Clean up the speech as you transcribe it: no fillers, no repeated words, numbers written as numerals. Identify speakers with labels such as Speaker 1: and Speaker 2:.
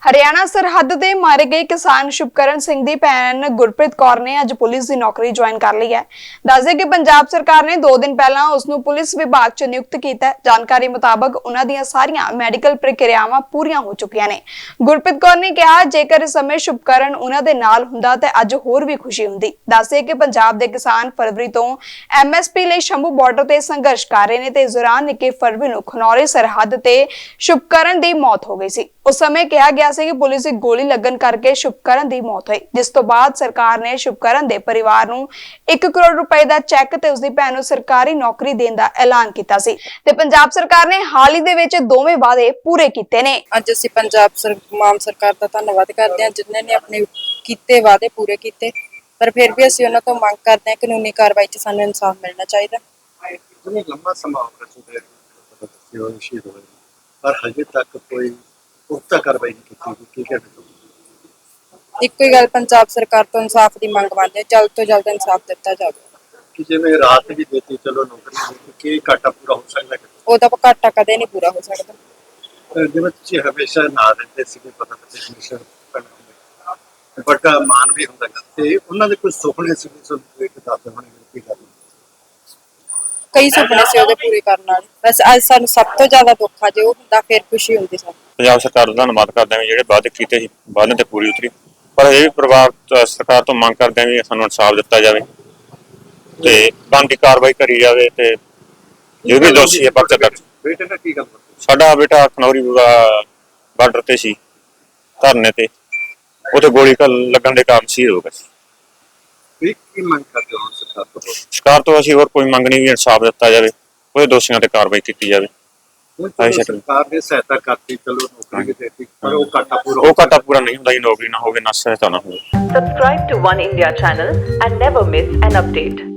Speaker 1: ਹਰਿਆਣਾ ਸਰਹੱਦ ਤੇ ਮਾਰੇ ਗਏ ਕਿਸਾਨ ਸ਼ੁਭਕਰਨ ਸਿੰਘ ਦੀ ਭੈਣ ਗੁਰਪ੍ਰੀਤ ਕੌਰ ਨੇ ਅੱਜ ਪੁਲਿਸ ਦੀ ਨੌਕਰੀ ਜੁਆਇਨ ਕਰ ਲਈ ਹੈ। ਦੱਸਦੇ ਕਿ ਪੰਜਾਬ ਸਰਕਾਰ ਨੇ 2 ਦਿਨ ਪਹਿਲਾਂ ਉਸ ਨੂੰ ਪੁਲਿਸ ਵਿਭਾਗ 'ਚ ਨਿਯੁਕਤ ਕੀਤਾ ਹੈ। ਜਾਣਕਾਰੀ ਮੁਤਾਬਕ ਉਹਨਾਂ ਦੀਆਂ ਸਾਰੀਆਂ ਮੈਡੀਕਲ ਪ੍ਰਕਿਰਿਆਵਾਂ ਪੂਰੀਆਂ ਹੋ ਚੁੱਕੀਆਂ ਨੇ। ਗੁਰਪ੍ਰੀਤ ਕੌਰ ਨੇ ਕਿਹਾ, ਜੇਕਰ ਇਸ ਸਮੇਂ ਸ਼ੁਭਕਰਨ ਉਹਨਾਂ ਦੇ ਨਾਲ ਹੁੰਦਾ ਤਾਂ ਅੱਜ ਹੋਰ ਵੀ ਖੁਸ਼ੀ ਹੁੰਦੀ। ਦੱਸਦੇ ਕਿ ਪੰਜਾਬ ਦੇ ਕਿਸਾਨ ਫਰਵਰੀ ਤੋਂ MSP ਲਈ ਸ਼ੰਭੂ ਬਾਰਡਰ ਤੇ ਸੰਘਰਸ਼ ਕਰ ਰਹੇ ਨੇ ਤੇ ਇਸ ਦੌਰਾਨ 21 ਫਰਵਰੀ ਨੂੰ ਖਨੌਰੀ ਸਰਹੱਦ ਤੇ ਸ਼ੁਭਕਰਨ ਦੀ ਮੌਤ ਹੋ ਗਈ ਸੀ। उस समय कहा गया कि पुलिस की गोली लगन करके शुभकरण की मौत हुई, जिस तो बाद सरकार ने शुभकरण के परिवार को 1 करोड़ रुपए का चैक ते उसकी भैन को सरकारी नौकरी देने का ऐलान किया सी। ते पंजाब सरकार ने हाल ही दे विच दोवें वादे पूरे कीते ने।
Speaker 2: अज असीं पंजाब माम सरकार का धन्नवाद करते हैं जिन्होंने ने अपने कीते वादे पूरे किए, पर फिर भी असीं उन्हां तों मंग करते हैं कानूनी कार्रवाई च सानूं इंसाफ मिलना चाहिए।
Speaker 3: लंबा समा हो चुका है पर हजे तक कोई पुख्ता कार्रवाई नहीं की गई।
Speaker 2: ਇੱਕੋ ਹੀ ਗੱਲ ਪੰਜਾਬ ਸਰਕਾਰ ਤੋਂ ਇਨਸਾਫ ਦੀ ਮੰਗ ਮੰਨਦੇ ਹਾਂ, ਜਲਦ ਤੋਂ ਜਲਦ ਇਨਸਾਫ ਦਿੱਤਾ ਜਾਵੇ
Speaker 3: कि जिवें रात भी देती चलो नौकरी की घाटा पूरा हो सकता है,
Speaker 2: ਉਹਦਾ ਘਾਟਾ ਕਦੇ ਨਹੀਂ ਪੂਰਾ ਹੋ ਸਕਦਾ।
Speaker 3: जिवें तुसीं हमेशा ना दिंदे सीगे पता नहीं बट मान भी हुंदा ते उन्हां दे कोई सुपने सी सुन एक दस होने की गल
Speaker 2: ਕਈ ਸੁਪਨੇ ਸੀ ਉਹਦੇ ਪੂਰੇ ਕਰਨ ਵਾਲੇ, ਬਸ ਅੱਜ ਸਾਨੂੰ ਸਭ ਤੋਂ ਜ਼ਿਆਦਾ ਦੁੱਖ ਆ ਜੇ ਉਹ ਹੁੰਦਾ ਫਿਰ ਖੁਸ਼ੀ ਹੁੰਦੀ ਸਾਨੂੰ।
Speaker 4: ਪੰਜਾਬ ਸਰਕਾਰ ਦਾ ਧੰਨਵਾਦ ਕਰਦੇ ਹਾਂ ਜਿਹੜੇ ਵਾਅਦੇ ਕੀਤੇ ਸੀ ਵਾਅਦੇ ਤੇ ਪੂਰੀ ਉਤਰੀ, ਪਰ ਇਹ ਪਰਿਵਾਰ ਸਰਕਾਰ ਤੋਂ ਮੰਗ ਕਰਦੇ ਹਾਂ ਵੀ ਸਾਨੂੰ ਇਨਸਾਫ ਦਿੱਤਾ ਜਾਵੇ ਤੇ ਬਣਦੀ ਕਾਰਵਾਈ ਕਰੀ ਜਾਵੇ ਤੇ ਜੋ ਵੀ ਦੋਸ਼ੀ ਹੈ ਪਰਚਾ ਦਰਜ।
Speaker 3: बेटे ने की गल
Speaker 4: ਸਾਡਾ ਬੇਟਾ ਖਨੌਰੀ ਬਾਰਡਰ ਤੇ ਸੀ ਧਰਨੇ ਤੇ, ਉੱਥੇ ਗੋਲੀ ਲੱਗਣ ਦੇ ਕਾਰਨ ਸ਼ਹੀਦ ਹੋ ਗਿਆ ਸੀ।
Speaker 3: की मंग करते हो सरकार तो
Speaker 4: ਸਰਕਾਰ ਤੋਂ ਅਸੀਂ ਹੋਰ ਕੋਈ ਮੰਗ ਨਹੀਂ, ਵੀ ਇਨਸਾਫ ਦਿੱਤਾ ਜਾਵੇ, ਉਹਦੇ ਦੋਸ਼ੀਆਂ ਤੇ ਕਾਰਵਾਈ ਕੀਤੀ ਜਾਵੇ।
Speaker 3: सरकार ने सहायता करती चलो नौकरी भी देती पर वो घाटा
Speaker 4: ਪੂਰਾ ਨਹੀਂ ਹੁੰਦਾ, ਨੌਕਰੀ ਨਾ ਹੋਵੇ ਨਾ ਸਹਾਇਤਾ ਨਾ ਹੋਵੇ।
Speaker 5: Subscribe to One India channel and never miss an update.